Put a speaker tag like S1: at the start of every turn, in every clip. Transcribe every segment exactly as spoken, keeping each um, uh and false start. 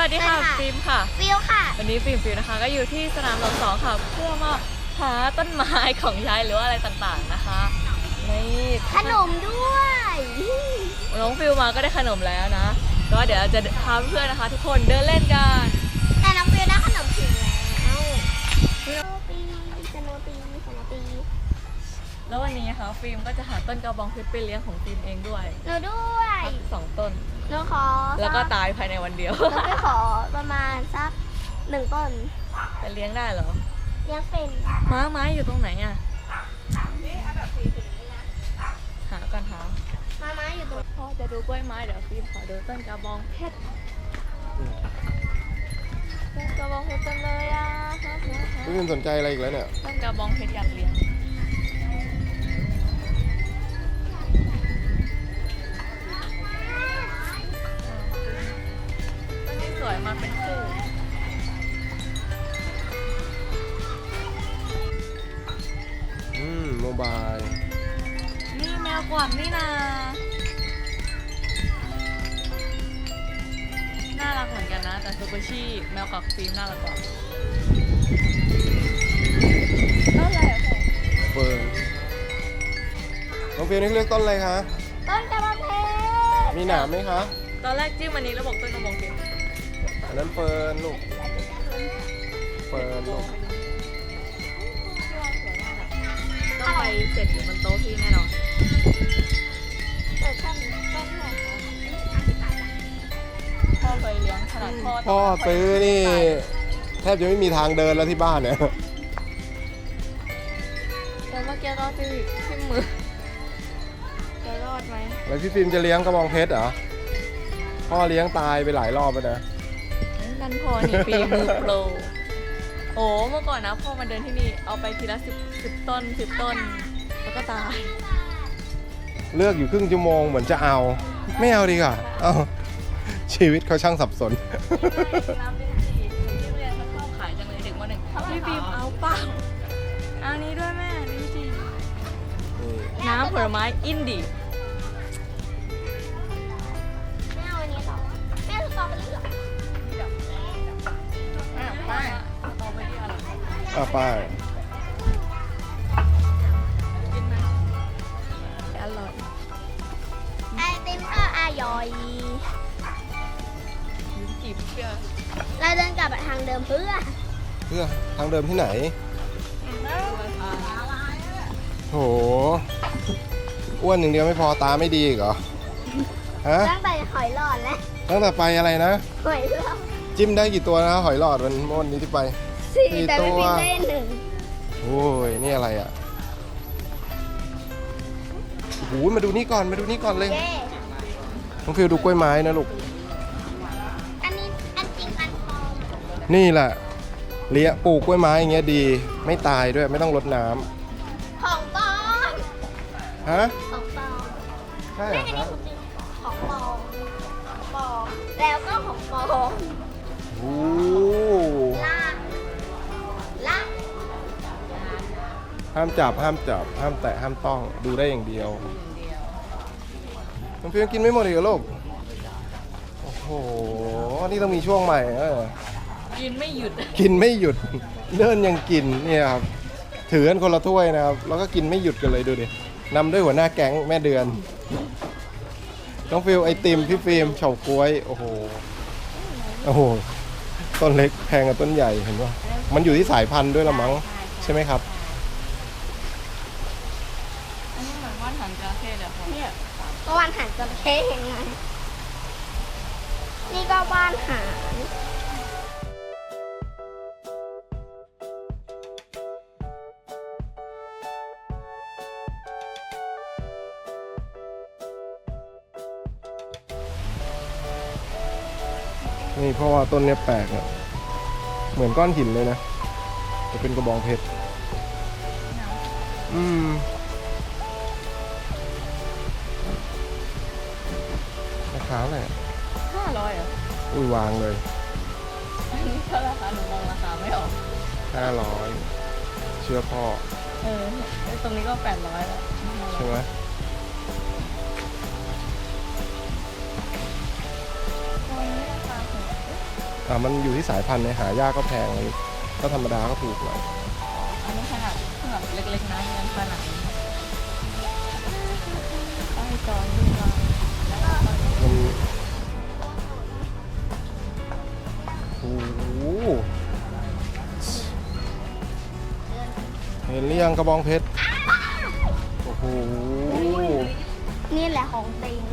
S1: วัสดีค่ะฟิล์มค่ะ
S2: ฟิลค่ะ
S1: วันนี้ฟิล์มฟิลนะคะก็อยู่ที่สนามหลวงสองค่ะเพื่อมาหาต้นไม้ของยายหรือว่าอะไรต่างๆนะคะนี่
S2: ขนมด้วย
S1: น้องฟิลมาก็ได้ขนมแล้วนะก็เดี๋ยวจะพาเพื่อนๆนะคะ ทุกคนเดินเล่นกัน
S2: แต่น้องฟิลได้ขนมถึงแล้วสโนปีสโนปีสโนปี
S1: แล้ววันนี้นะคะฟิล์มก็จะหาต้นกระบองเพชรไปเลี้ยงของฟิล์มเองด้วย
S2: หนูด้วย
S1: สองต้น
S2: หนูขอ
S1: แล้วก็ตายภายในวันเดียว
S2: หนูไปขอประมาณสักหนึ่งต้น
S1: จะเลี้ยงได้เหรอ
S2: เลี้ยงเป็น
S1: ม้าไม้อยู่ตรงไหนอ่ะหากันหา
S2: ม้าไม้อยู่ตรง
S1: พ่อจะดูกล้วยไม้เดี๋ยวฟิล์มขอดูต้นกระบองเพชรต้นกระบองเพชรจังเลยอ่ะ
S3: พี่พิมสนใจอะไรอีกแล้วเนี่ย
S1: ต้นกระบองเพชรอยากเลี้ยงต้นนี้สวยมาเป็นคู่
S3: อืมโมบาย
S1: นี่แมวกวักนี่นาน่ารักเหมือนกันนะแต่ซูเปอร์ชีแมวกวักฟิล์มน่ารักกว่าต้นอะไรอ่ะ
S3: เฟิร์นน้องฟิล์มนี่เลือกต้นอะไรคะ
S2: ต้นกระบองเพชร
S3: มีหนามไหมคะ
S1: ตอนแรกจิ้มอันนี้แล้วบอกต้นกระบองเพชร
S3: อันนั้นเฟิร์นลูกเฟิร์นลูก
S1: ต้องไปเสร็จอยู่บนโต๊ะพี่แน่นอน
S2: เปิดต้นต้นไหน
S1: พ่อเคยเลี้ยงขนาดพ่อ
S3: พ่อซื้อนี่แทบจะไม่มีทางเดินแล้วที่บ้านเนี่ย
S1: แต่เมื่อกี้ตอนที่ที่มือจะรอดไหม
S3: แล้วพี่ฟิล์มจะเลี้ยงกระบองเพชรเหรอพ่อเลี้ยงตายไปหลายรอบแล้วนะ
S1: นั่นพ่อนี่ฝีมือโปรโอ้เมื่อก่อนนะพ่อมาเดินที่นี่เอาไปทีละสิบสิบต้นสิบต้นแล้วก็ตาย
S3: เลือกอยู่ครึ่งชั่วโมงเหมือนจะเอาไม่เอาดีกว่าเอาชีวิตเขาช่างสับสน
S1: น้ำเป็นสีที่เรียนเขาชอบขายจังเลยเด็กมหนึ่งพี่ฟิล์มเอาเปล่าเอานี้ด้วยแม่นี่สิน้ำผลไม้อินดี้
S2: แม่เอาอันนี้ต่อแม่สตรอเบอรี่เหรอ
S1: ป้าสตรอเบอรี่อะไร
S3: อ่ะป้า
S1: กินไหมอร่อย
S2: ไอติมก็อร่อย
S1: จีบเชื่อ
S2: เราเดินกลับทางเดิมเพื่อ
S3: เพื่อทางเดิมที่ไหนโหอ้วนอย่างเดียวไม่พอตาไม่ดีอีกเหรอฮะ
S2: ตั้งแต่หอยหลอดแล้ว
S3: ตั้งแต่ไปอะไรนะ
S2: หอยหลอด
S3: จิ้มได้กี่ตัวนะหอยหลอดวันวันนี้ที่ไป
S2: สี่แต่ไม่มีได้หนึ่ง
S3: โอ้ยนี่อะไรอ่ะโอ้โหมาดูนี่ก่อนมาดูนี่ก่อนเลยน้องฟิวดูกล้วยไม้นะลูก
S2: อันนี้อันจริงอันปลอม
S3: นี่แหละเลี้ยปลูกกล้วยไม้อย่างเงี้ยดีไม่ตายด้วยไม่ต้องรดน้
S2: ำของปลอม
S3: ฮะ
S2: ของปลอม
S3: ใช่เหรอครับ
S2: ของปลอมปลอมแล้วก็ของปลอม
S3: โอ้
S2: ล่างล่าง
S3: ห้ามจับห้ามจับห้ามแตะห้ามต้องดูได้อย่างเดียวน้องฟิวกินไม่หมดอีกเหรอลูกโอ้โหนี่ต้องมีช่วงใหม่เออ
S1: กินไม่หยุด
S3: กินไม่หยุดเดินยังกินเนี่ยครับถือกันคนละถ้วยนะครับแล้วก็กินไม่หยุดกันเลยดูดินำด้วยหัวหน้าแก๊งแม่เดือนน้องฟิวไอติมพี่ฟิล์มเฉาก๊วยโอ้โหโอ้โหต้นเล็กแพงกับต้นใหญ่เห็นป่ะมันอยู่ที่สายพันธุ์ด้วยละมั้งใช่ไหมครับ
S1: อันนี้เหมือนว่านหางจระเข้เลยค่ะ
S2: เนี่ยก็ว่านหางจระเข้ยังไงนี่ก็ว่านหาง
S3: นี่เพราะว่าต้นเนี้ยแปลกเนี่ยเหมือนก้อนหินเลยนะจะเป็นกระบองเพชรอืมราคาอะไร
S1: ห้าร้อยอ่ะ
S3: อุ้ยวางเลย
S1: อันนี้เท่าราคาหนูมองราคาไม่ออก
S3: ห้าร้อยเชื่อพ่อ
S1: เออตรงนี้ก็แปดร้อยแล้ว
S3: ใช่ไหม
S1: น
S3: อ่ามันอยู่ที่สายพันธุ์เนี่ยหายากก็แพงก็ธรรมดาก็ถูกหน่อย
S1: อันนี้ขนาดแบบเล็กๆนะยังขนาดนี้ใต้จอยดีกว่า
S3: มันโอ้โหเห็นหรือยังกระบองเพชรโอ้โห
S2: นี่แหละของจริง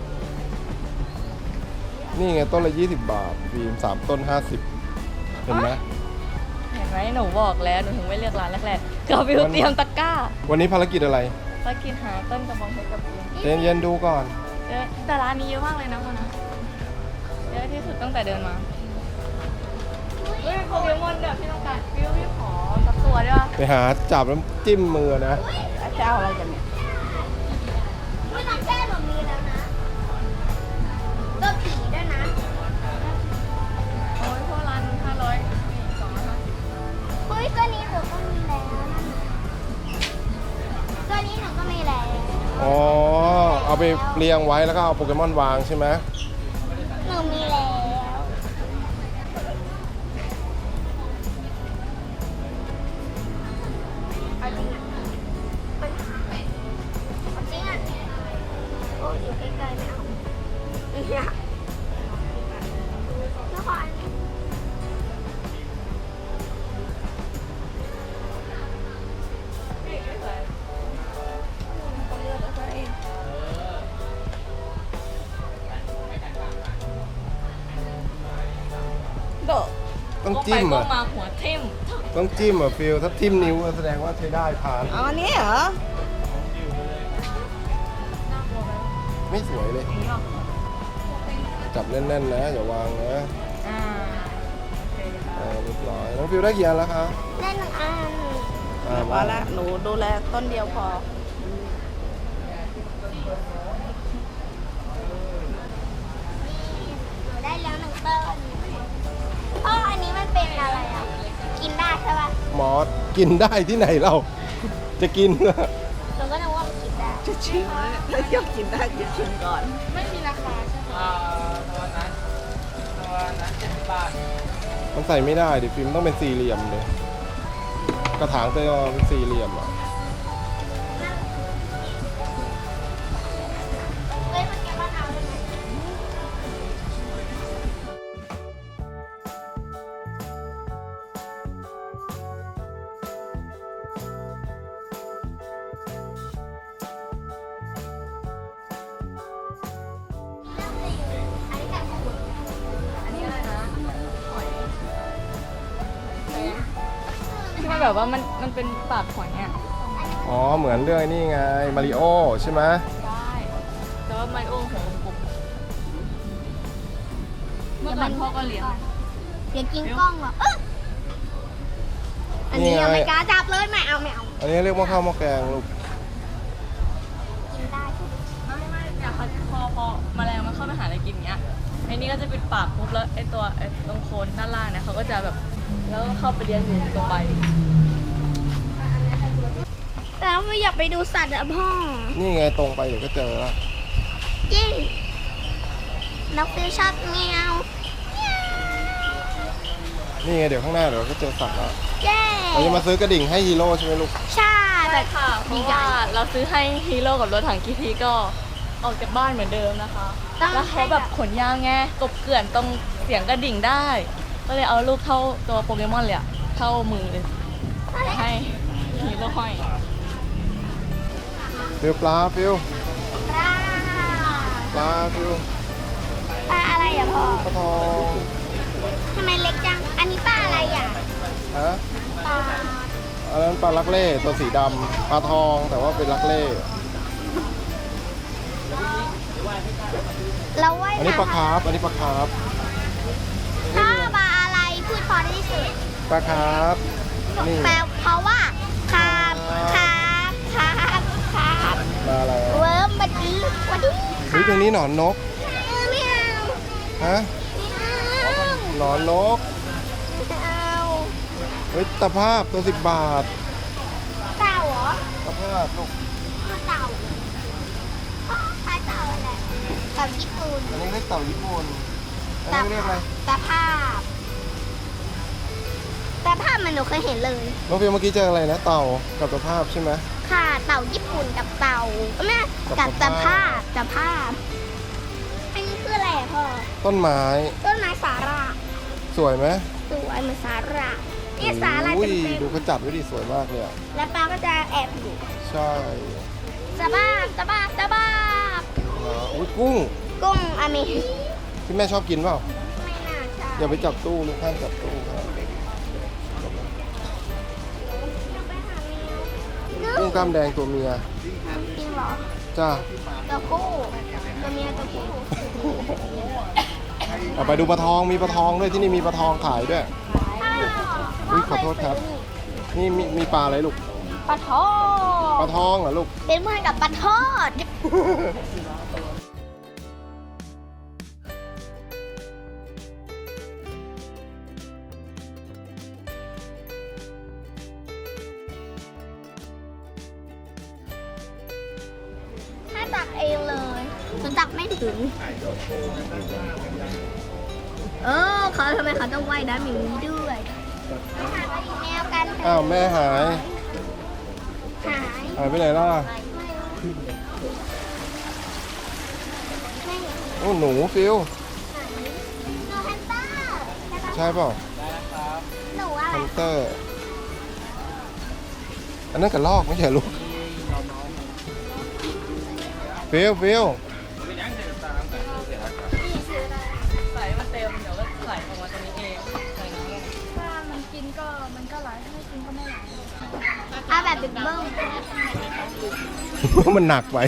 S3: นี่ไงต้นละยี่สิบบาทฟิล์มสามต้นห้าสิบเห็นไหม
S1: เห็นไหมหนูบอกแล้วหนูถึงไม่เลือกร้านแรกๆก็วิวเตรียมตะกร้า
S3: วันนี้ภารกิจอะไร
S1: ไปกินหาต้นกระบองเพชรกับวิว
S3: เย็นเย็นๆดูก่อน
S1: เยอะแต่ร้านนี้เยอะมากเลยนะพ่อนะเยอะที่สุดตั้งแต่เดินมาเฮ้ยโปเกมอนแบบที่ต้องการวิวพี่ขอสักตัวได้ปะ
S3: ไปหาจับแล้วจิ้มมือนะ
S1: จะเอาอะไรกันเนี่ย
S2: ไม่ต้องแก้แบบนี้แล้วนะตัวผีด้วยนะ
S1: โอ้ยพวกร้านห้าร้อยนี่สองร้อยห้าสิบ
S2: เฮ้ยตัวนี้หนูก็มีแล้วนะตัวนี้หนูก็มีแล้ว
S3: อ๋อ เอาไปเรียงไว้แล้วก็เอาโปเกมอนวางใช่ไหม
S2: หนูมีแล้วเอาจริงอ่ะมันเอาจริงอ่ะโอ้ยอยู่ใกล้ๆไม่เอาเนี่ยแล้วขออันนี้
S1: โดด
S3: ต้องจิ้ม
S1: ก็
S3: อ่ะ
S1: ไปก็มาหัวทิ่ม
S3: ต้องจิ้มอ่ะฟิลถ้าทิ่มนิ้วก็แสดงว่าใช้ได้ผ่าน
S1: เอาอันนี้เหรอ
S3: ไม่สวยเลย
S1: นี่หรอ
S3: จับแน่นๆนะอย่าวางนะ
S1: อ่าโอเคค่ะ
S3: อ่าเรียบร้อยน้องฟิลได้กี่อันแล้วคะ
S2: ได้หนึ่งอัน
S3: อ่า
S4: พอละหนูดูแลต้นเดียวพอ
S2: หนูได้แล้วหนึ่งต้นพ่ออันนี้มันเป็นอะไรอ่ะ กินได้ใช่ป่ะ
S3: หมอกินได้ที่ไหนเรา จะกินเหรอ
S2: หนูก็นึกว่ามันกินได้
S4: จะชิมแล้วถ้ากินได้จะชิมก่อน
S2: ไม่มีราคาใช่ไหม
S3: มันใส่ไม่ได้ดิฟิล์มต้องเป็นสี่เหลี่ยมเลยกระถางเตยเป็นสี่เหลี่ยมอ่ะ
S2: เฮ้ยมันแกบ้านเอาได้ไหมอันนี้แบบของคุณ
S1: อันนี้อะไรนะหอยที่มันแบบว่ามันมันเป็นปากหอยอ่ะ
S3: อ๋อเหมือนเรื่องไอ้นี่ไงมาริโอใช่ไหม
S1: ได้แต่ว่ามันโอ้โหกลมเมื่อก่อนพ่อก็เลี้ยงนะ
S2: อย่ากินกล้องหรอกเอ้ออันนี้ยังไม่กล้าจับเลยไม่เอาไม่เอา
S3: อันนี้เรียกว่าข้าวหม้อแกงลูก
S2: กินได้ใช่ไหม
S1: ไม่ไม่อยากพอพอแมลงมันเข้าไปหาอะไรกินเงี้ยไอ้นี่ก็จะปิดปากปุ๊บแล้วไอ้ตัวไอ้ตรงโคนด้านล่างเนี่ยเขาก็จะแบบแล้วก็เข้าไปเลี้ยงอยู่ตรงใบ
S2: แต่ไม่อยากไปดูสัตว์อะพ่อ
S3: นี่ไงตรงไปเดี๋ยวก็เจอแล้ว
S2: จริงน้องฟิวชอบเมียว
S3: นี่ไงเดี๋ยวข้างหน้าเดี๋ยวก็เจอสัตว์แล้ว
S2: เย้
S3: เราจะมาซื้อกระดิ่งให้ฮีโร่ใช่ไหมลูก
S2: ใช่แบ
S1: ใช่
S2: บ
S1: ค่ะเพราะว่าเราซื้อให้ฮีโร่กับรถถังกีทีก็ออกจากบ้านเหมือนเดิมนะคะ แล้วเขาแบบขนยาวไงกบเกลื่อนตรงเสียงกระดิ่งได้ ก็เลยเอาลูกเข้าตัวโปเกมอนเลยอะเข้ามือเลยให้ฮีโร่ห้อย
S3: ฟิลปลาฟิล
S2: ปลา
S3: ปลาฟิล
S2: ปลาอะไรอะพ่อ
S3: ปลาทอง
S2: ทำไมเล็กจัง อันนี้ปลาอะไรอะ
S3: ฮะ
S2: ปลา
S3: อันนั้นปลาลักเล่ตัวสีดำปลาทองแต่ว่าเป็นลักเล่
S2: เราว่าย
S3: อันนี้ปลา
S2: น้ำ
S3: คาร์ฟอันนี้ปลาคาร์ฟ
S2: ถ้าปลาอะไรพูดพอได้ที่สุด
S3: ปลาคาร์ฟนี่
S2: แปลเพราะว่าคาบคาบคาบคาบ
S3: ปลาอะไร
S2: เวิร์มบัดดี้วัดดี้
S3: เฮ้ยตรงนี้หนอนนก
S2: ไม่เอา
S3: ฮะ
S2: ไม่เอา
S3: หนอนนก
S2: ไม่เอา
S3: เฮ้ยตะภาพตัวสิบบาท
S2: เต่าเหรอ
S3: ตะภาพลูก
S2: เต่าอ๋อคล้ายเต่าอะไรเต่าญี่ปุ่น
S3: อันนี้เรียกเต่าญี่ปุ่นอันนี้เรียกอะไร
S2: ตะภาพแต่ภาพมันหนูเคยเห็นเลย
S3: น้องฟิลเมื่อกี้เจออะไรนะเต่ากับตะภาพใช่ไหม
S2: ค่ะเต่าญี่ปุ่นกับเต่าแม่
S3: กั
S2: กั
S3: บบ ตะ
S2: ตะ
S3: ภา
S2: ภา
S3: พ
S2: พตะภาพอันนี้คืออะไรอะพ่อ
S3: ต้นไม้
S2: ต้นไม้สาระ
S3: สวยไหม
S2: สวยเหมือนสาระนี่สาระ
S3: อุ้
S2: เต็
S3: ย
S2: ม
S3: ดูเขาจับไว้ดิสวยมากเลยอ่ะ
S2: ๆแล้วปลาก็จะแอบอยู่
S3: ใช่
S2: ตะบ้าบตะบ้าบตะบ้าบ
S3: อ่าอุ้ยกุ้ง
S2: กุ้งอเม
S3: ที่แม่ชอบกินเปล่า
S2: ไม่น่าใช่
S3: อย่าไปจับตู้ลูกห้ามจับตู้ครับ กุ้งกล้ามแดงตัวเมีย
S2: จริงเหรอ
S3: จ้า
S2: ตัวผู้ตัวเมียตัวผู้
S3: เอาไปดูปลาทองมีปลาทองด้วยที่นี่มีปลาทองขายด้วย อุ๊ยขอโทษครับ นี่มีมีปลาอะไรลูก
S2: ปลาทอ
S3: ปลา
S2: ด
S3: ทองเหรอลูก
S2: เป็นเพื่อนกับปลาทอด ถ้าตักเองเลยฉันตักไม่ถึง เออเขาทำไมเขาต้องว่ายน้ำอย่างนี้ด้วยไปหาปลาอีกแนวกันเถะ
S3: อ้าวแม่หาย
S2: หาย
S3: หายไปไหนล่ะ
S2: ไม่
S3: โอ้หนูฟิล
S2: หนูฮันเตอร์
S3: ใช่เปล่า
S2: หนูอะไร
S3: ฮันเตอร์ อันนั้นกระลอกไม่ใช่ลูกฟิลฟิล
S1: ใส่มันเต็มเดี๋ยวก็ไหลออกมาตรงนี้เองใส่น้ำลง
S5: ถ้ามันกินก็มันก็ไหลถ้าไม่กินก็ไม่ไหล
S2: เอาแบบบิ๊กเบิ้ม
S3: มันหนักไป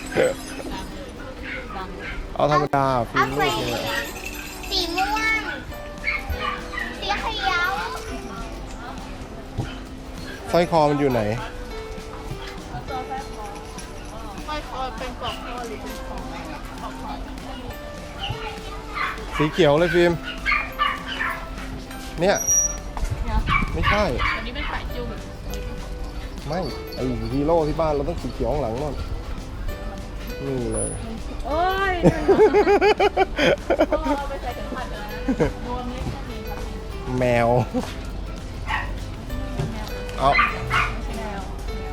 S3: เอาธรรมดาฟิ
S2: เอา
S3: ลลู
S2: สี
S3: กเนี่ย
S2: สีม่วง สีเขียว
S3: สร้อยคอมันอยู่ไหน
S1: ค่อยๆเป็นกล่องหรือเป็นของ
S3: สีเขียวเลยฟิล์มเนี่ย
S1: เนี่ย
S3: ไม่ใช่
S1: อันนี้เป็นสายจุ่ม
S3: ไม่ไอฮีโร่ที่บ้านเราต้องสีเขียวข้างหลังนู่นนี่เลย
S1: โอ้ยเราไปใส่เข็มขัดกันนะรวมเล็กก็มีครับ
S3: แมว เอา
S1: ไม่ใช่แนว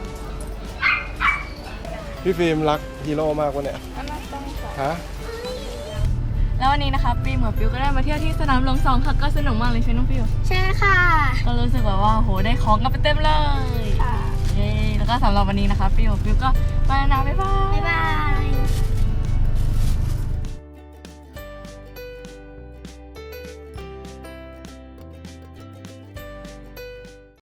S3: พี่ฟิล์มรักฮีโร่มากวะเนี่ยฮะ
S1: แล้ววันนี้นะคะฟิล์มกับฟิวก็ได้มาเที่ยวที่สนามหลวงสองค่ะก็สนุกมากเลยใช่ไหมน้องฟิว
S2: ใช่ค่ะ
S1: ก็รู้สึกแบบว่าโหได้ของกันไปเต็มเลย
S2: ค่ะ
S1: เย้แล้วก็สำหรับวันนี้นะคะฟิวฟิวก็ไปแล้วนะบ๊ายบาย